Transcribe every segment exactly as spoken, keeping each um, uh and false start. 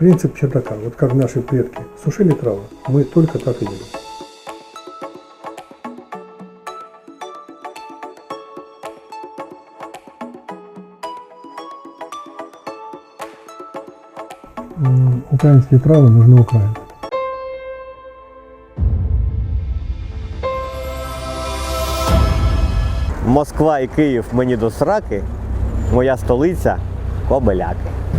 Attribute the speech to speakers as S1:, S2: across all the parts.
S1: Принцип чердака, вот как наши предки сушили травы, мы только так и делаем. М, Украинские травы нужны Украине.
S2: Москва і Київ мені до сраки, моя столиця – Кобиляки.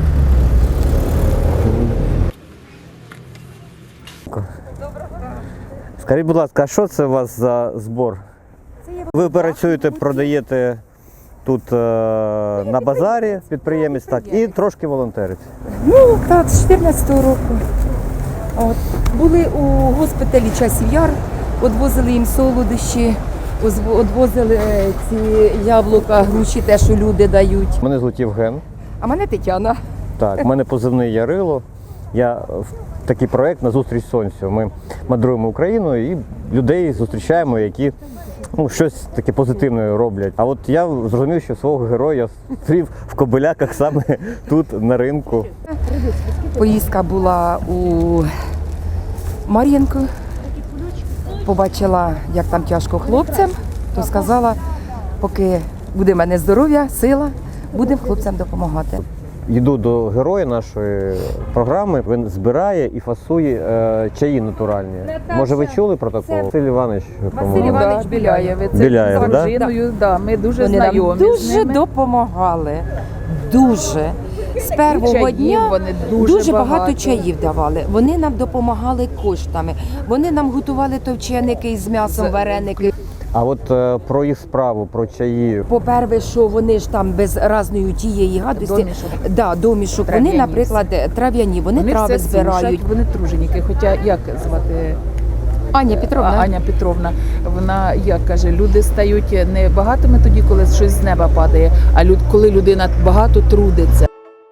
S2: Скажіть, будь ласка, а що це у вас за збор? Ви працюєте, продаєте тут е, на базарі, підприємець, так, і трошки волонтерить.
S3: Ну, так, з чотирнадцятого року. От. Були у госпіталі Часів Яр, відвозили їм солодощі, відвозили ці яблука, груші, те, що люди дають.
S2: Мене звуть Євген.
S3: А мене Тетяна.
S2: Так, в мене позивний Ярило. Я в такий проєкт «Назустріч сонцю». Ми мандруємо Україною і людей зустрічаємо, які ну, щось таке позитивне роблять. А от я зрозумів, що свого героя зустрів в Кобиляках саме тут, на ринку.
S3: Поїздка була у Мар'їнку. Побачила, як там тяжко хлопцям, то сказала, поки буде в мене здоров'я, сила, будемо хлопцям допомагати.
S2: Йду до героя нашої програми. Він збирає і фасує е, чаї натуральні. Може, ви чули про такого? Василь Іванович,
S4: Василь Іванович Біляєв. Це
S2: Біляєв,
S4: з
S2: да?
S4: дружиною, да, ми дуже
S5: Вони нам
S4: знайомі з
S5: дуже
S4: ними.
S5: допомагали. Дуже. З першого
S4: чаїв
S5: дня
S4: вони дуже
S5: дуже багато.
S4: багато.
S5: чаїв давали. Вони нам допомагали коштами. Вони нам готували товченики з м'ясом,
S4: З-
S5: вареники.
S2: А от е, про їх справу, про чаї.
S5: По-перше, що вони ж там без разної тієї гадості.
S4: Домішок.
S5: Да, домішок.
S4: Трав'яні
S5: Вони, наприклад, трав'яні, вони,
S4: Вони
S5: трави
S4: все
S5: збирають.
S4: сушать, вони труженіки. Хоча як звати
S5: Аня Петровна.
S4: А- Аня Петровна, вона як каже, люди стають не багатими тоді, коли щось з неба падає, а люд, коли людина багато трудиться.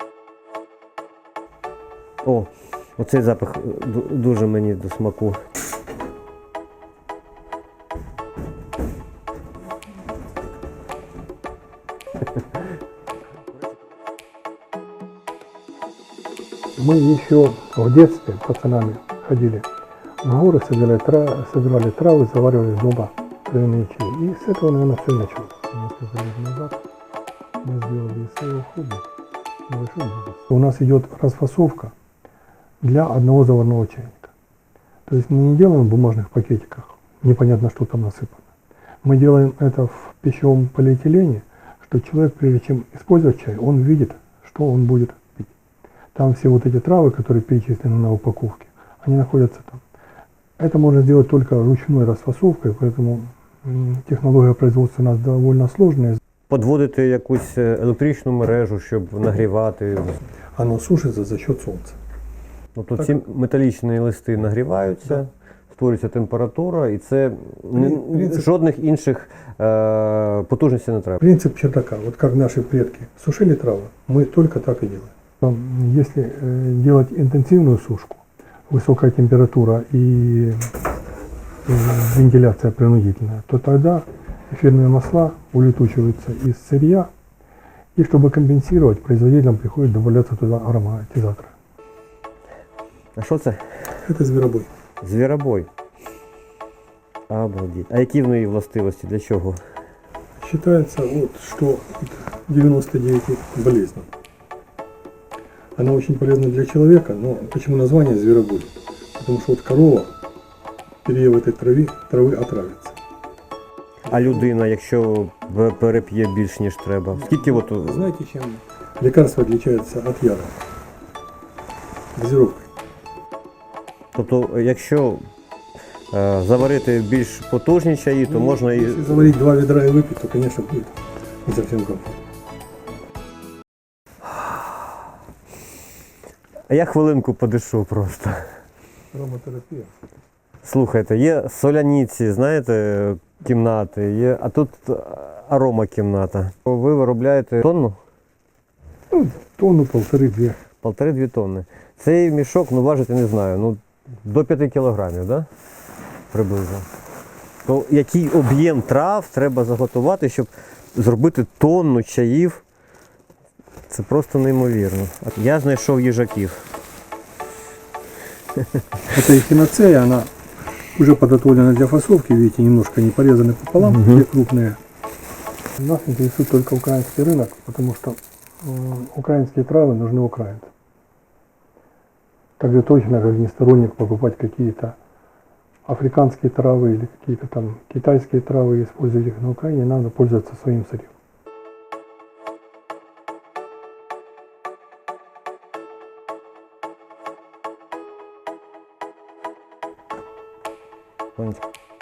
S2: О, оцей запах ду- дуже мені до смаку.
S1: Мы еще в детстве пацанами ходили в горы, собирали, тра- собирали травы, заваривали дома травяные чаи. И с этого, наверное, все началось. Несколько лет назад мы сделали из своего хобби небольшой бизнес. У нас идет расфасовка для одного заварного чайника. То есть мы не делаем в бумажных пакетиках, непонятно, что там насыпано. Мы делаем это в пищевом полиэтилене, что человек, прежде чем использовать чай, он видит, что он будет пить. Там все вот эти травы, которые перечислены на упаковке, они находятся там. Это можно сделать только ручной расфасовкой, поэтому м, технология производства у нас довольно сложная.
S2: Подводити якусь електричну мережу, щоб нагрівати.
S1: Оно сушится за счет солнца.
S2: Тобто ці металічні листи нагріваються, створюється температура, і це не-
S1: Принцип-
S2: жодних інших е, потужностей не треба.
S1: Принцип чердака, вот как наши предки сушили травы, мы только так и делаем. Там, Если э, делать интенсивную сушку, высокая температура и э, вентиляция принудительная, то тогда эфирные масла улетучиваются из сырья, и чтобы компенсировать, производителям приходится добавляться туда ароматизаторы.
S2: А що це?
S1: Это зверобой.
S2: Звіробой. Обалдеть. А які в неї властивості? Для чого?
S1: Считается, вот, что от девяноста девяти болезней. Она очень полезна для человека, но почему название зверобой? Потому что вот корова, переев этой травы, травы отравится.
S2: А людина, якщо б- переп'є більш ніж треба? Скільки от
S1: Знаете, чем лекарство отличается от яда? Дозировкой.
S2: Тобто, якщо е, заварити більш потужні чаї, то можна і.
S1: Если заварить два ведра и выпить, то, конечно, будет не совсем комфортно.
S2: А я хвилинку подишу просто.
S1: Ароматерапия.
S2: Слухайте, є соляниці, знаєте, кімнати, є, а тут аромакімната. Ви виробляєте тонну?
S1: Ну, тонну, полторы-две.
S2: Полтори-дві тонни. Цей мішок, ну важити не знаю, ну до п'яти кілограмів, так? Да? Приблизно. То який об'єм трав треба заготувати, щоб зробити тонну чаїв? Це просто неймовірно. Я знайшов їжаків.
S1: Это эхиноцея, она уже подготовлена для фасовки, видите, немножко не порезаны пополам,
S2: Мгм.
S1: те крупные. Нас интересует только украинский рынок, потому что м, украинские травы нужны украинцам. Так же точно, как не сторонник покупать какие-то африканские травы или какие-то там китайские травы и использовать их на Украине, надо пользоваться своим сырьем.
S2: Сонечко.